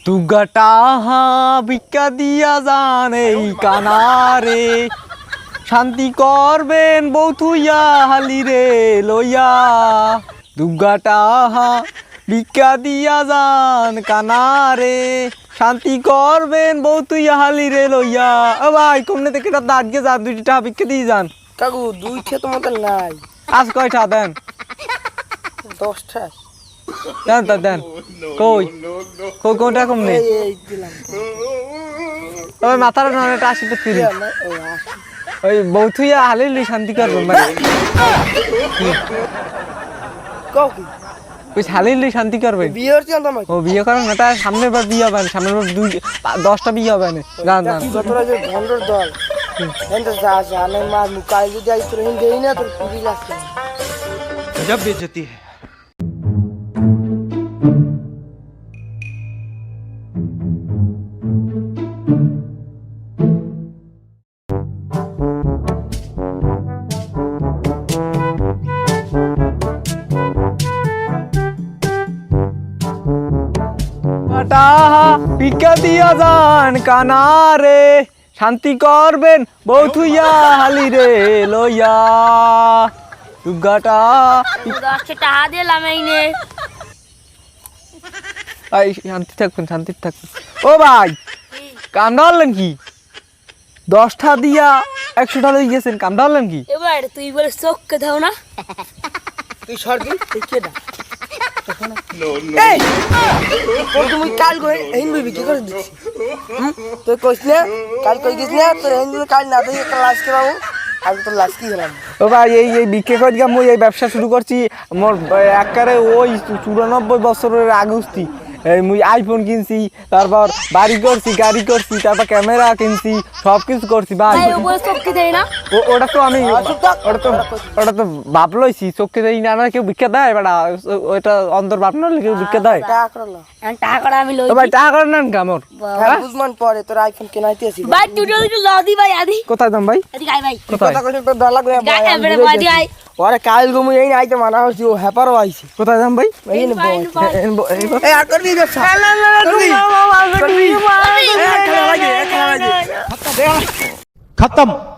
দুগাটা ভিক্ষা দিয়া যান এই কানারে, শান্তি করবেন বউ থুইয়া হালি রে লইয়া। দুগাটা ভিক্ষা দিয়া যান কানারে, শান্তি করবেন বউ থুইয়া হালি রে লইয়া। ও ভাই কমনে থেকে দাঁড়িয়ে যান, 2টি টাকা ভিক্ষা দিয়ে যান। কাকু 2টা তোমাদের নাই, আজ কয়টা দেন? 10টা দেন তা দেন। কই কই কোনটা কমনে? এই দিলাম। ওই মাথার নাটা 80 টাকা দিন। ওই বউ থুইয়া হালি শান্তি করবেন ভাই। কাকু ওই হালি শান্তি করবেন। বিয়ে হচ্ছে না তোমার? ও বিয়ে করেন না, তার সামনের বার বিয়ে হবে না, সামনের বার 10টা বিয়ে হবে না। জান জান যতটা যে ভন্ডর দল এন্ড যা জানে মা মুকাই যদি আই তোর হিন্দে না তোর পুরি লাগছে। गजब बेइज्जती है। ভিক্ষা দিয়া যান কানারে, শান্তি করবেন বউ থুইয়া হালি রে লইয়া। দুগাটা 10 টাকা দিলাম এই নে। এই শান্তি থাকবেন, শান্তি থাকবেন। ও ভাই কামড়া হলেন কি? 10টা দিয়া 100টা লই গেছেন, কামড়া হলেন কি? এবার তুই বলে চোখকে দাও না। তুই সরদি তুই কেডা? এই তোর তুমি কাল কই হিন বইবি কি করে দিছিস? তুই কইছ না কাল কই গিস না তোর হিন কাল না তুই ক্লাস করাবো আমি তোর লাশ কি হলাম। ও ভাই এই বিক্রি করে দিয়া মই এই ব্যবসা শুরু করছি। মোর একবারে ওই 94 বছরের আগুস্তি মুই আইফোন কিনছি, তারপর বাড়ি করছি, গাড়ি করছি, তারপর ক্যামেরা কিনছি, সব কিছু করছি ভাই। তাই ও বলে চোখকে দেয় না। ওটা তো আমি ওটা তো বাপ লইছি, চোখকে দেই না। কেউ ভিক্ষা দেয় বেটা? ওইটা অন্তর বাপ না হলে কেউ ভিক্ষা দেয়? টাকা করলা টাকাটা আমি লই। ও ভাই টাকা করে নেন কামর। হ্যাঁ বুঝমান পরে তোর আইফোন কেনাইতে আসি। ভাই দুটো লাদি ভাই আদি। কোথায় দাম ভাই? এদিকে আই ভাই। কোথায় কথা কইছ তোর ডর লাগবে গায় এবারে বাদি আই। ওরে কাল গমু এই আইতে মানা হইছি ও হ্যাপারও আইছে। কোথায় দাম ভাই? এই নে বল এই আর করবি ব্যবসা खत्म।